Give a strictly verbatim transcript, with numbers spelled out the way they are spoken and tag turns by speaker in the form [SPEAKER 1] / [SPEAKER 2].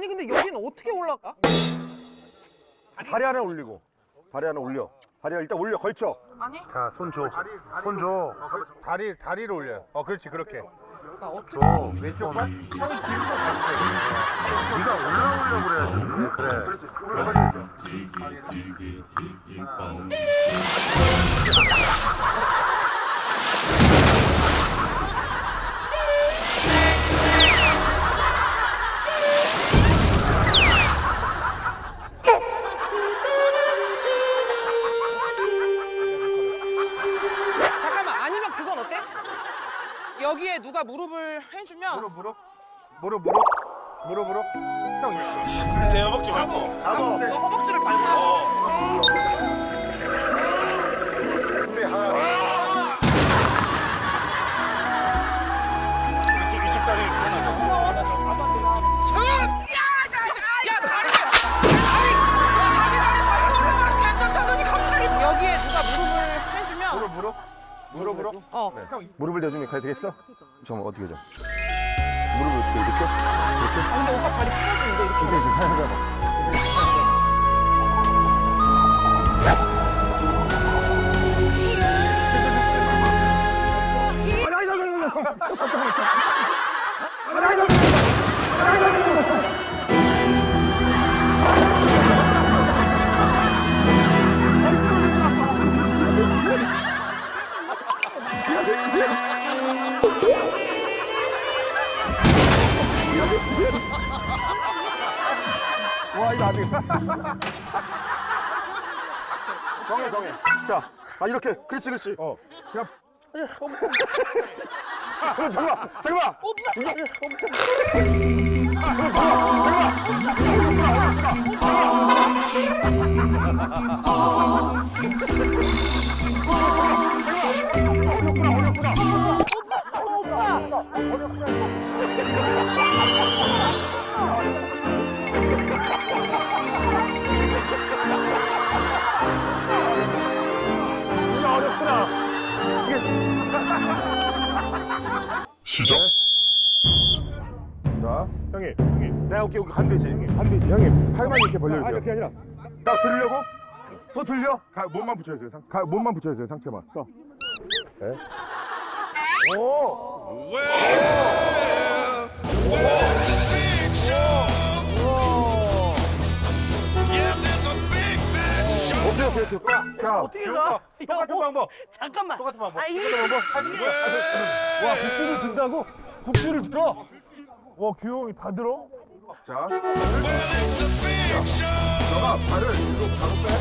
[SPEAKER 1] 아니 근데 여기는 어떻게 올라가?
[SPEAKER 2] 다리 하나 올리고 다리 하나 올려. 다리 일단 올려 걸쳐.
[SPEAKER 1] 아니
[SPEAKER 2] 자, 손 줘. 손 줘. 다리 다리를 올려. 어, 그렇지 그렇게.
[SPEAKER 1] 나 어떻게
[SPEAKER 2] 줘. 왼쪽 발. 형이 뒤로 가세요. 네가 올라오려고 그래야지. 그래. 그렇지. 올라가야죠.
[SPEAKER 1] 잠깐만 아니면 그건 어때? 여기에 누가 무릎을 해주면
[SPEAKER 2] 무릎 무릎. 무릎 무릎. 무릎 무릎. 형.
[SPEAKER 3] 제 허벅지 밟고.
[SPEAKER 2] 잡아.
[SPEAKER 1] 너 허벅지를 밟고
[SPEAKER 2] 준비 하나.
[SPEAKER 3] 이쪽, 이쪽 다리 하나 좀.
[SPEAKER 1] 여기에 누가 무릎을 해주면
[SPEAKER 2] 무릎 무릎. 무릎 무릎.
[SPEAKER 1] 어
[SPEAKER 2] 네. 형 무릎을 대주면 가야 되겠어? 잠깐만 어떻게 줘? 무릎을 어떻게 이렇게? 이렇게?
[SPEAKER 1] 아, 근데 오빠 다리 풀어주는데 이렇게
[SPEAKER 2] 이렇게 지금 하잖아. 와 이거 아직. 정해 정해. 자, 아 이렇게. 그렇지 그렇지. 어. 그냥. 잠깐만 잠깐만.
[SPEAKER 4] 시작.
[SPEAKER 2] 자, 형님, 형님. 네, 오케이, 오케이. 간 되지. 간 되지. 형님, 팔만 이렇게 벌려주세요. 아, 이렇게 아니라. 나 들으려고? 또 들려? 가, 몸만 붙여주세요. 상, 가, 몸만 붙여주세요. 상체만. 써. 네. 오! 오케이, 오케이, 오케이. 자,
[SPEAKER 1] 어떻게 가?
[SPEAKER 2] 똑같은 방법.
[SPEAKER 1] 잠깐만
[SPEAKER 2] 똑같은 방법.
[SPEAKER 1] 아 이게
[SPEAKER 2] 똑같은 방법. 와, 국수를 든다고? 국수를 들어? 와, 규형이 다 들어? 자. 너가 발을 뒤로 바로 빼.